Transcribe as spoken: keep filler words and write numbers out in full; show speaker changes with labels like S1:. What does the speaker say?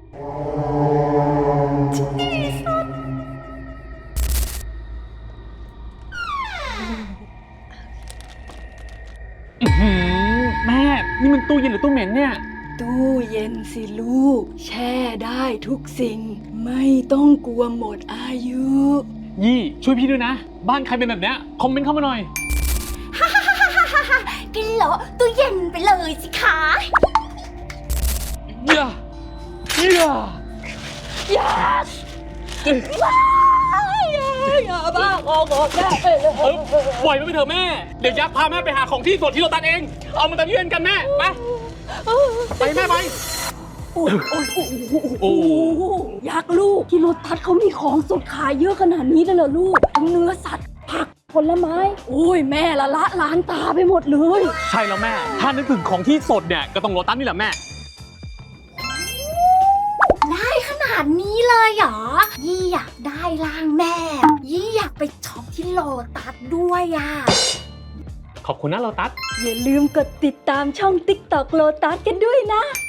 S1: แม่นี่มันตู้เย็นหรือตู้เหม็นเนี่ย
S2: ตู้เย็นสิลูกแช่ได้ทุกสิ่งไม่ต้องกลัวหมดอายุ
S1: ยี่ช่วยพี่ด้วยนะบ้านใครเป็นแบบเนี้ยคอมเมนต์เข้ามาหน่อย
S3: ฮ่าฮ่าฮ่าฮ่าฮ่าฮ่ากินเหรอตู้เย็นไปเลยสิคะ
S1: อย่าอย่า
S2: อย่าอย่าบ้าออกออกแม่ไปเลย
S1: ปล่อยมันไปเถอะแม่เดี๋ยวยักษ์พาแม่ไปหาของที่สดที่เราตัดเองเอามาตัดเยื่อนกันแม่ไปไปแม่ไป
S2: โอ้โอ้โอ้ยักษ์ลูกที่รถทัดเขามีของสดขายเยอะขนาดนี้เลยเหรอลูกทั้งเนื้อสัตว์ผักผลไม้โอ้ยแม่ละละล้านตาไปหมดเลย
S1: ใช่แล้วแม่ถ้านึกถึงของที่สดเนี่ยก็ต้องโลตัสนี่แหละแม่
S3: ได้ขนาดนี้เลยเหรอยี่อยากได้ร่างแม่ยี่อยากไปช็อปที่โลตัสด้วยอ่ะ
S1: ขอบคุณนะโลตัส
S2: อย่าลืมกดติดตามช่อง ติ๊กต็อก โลตัสกันด้วยนะ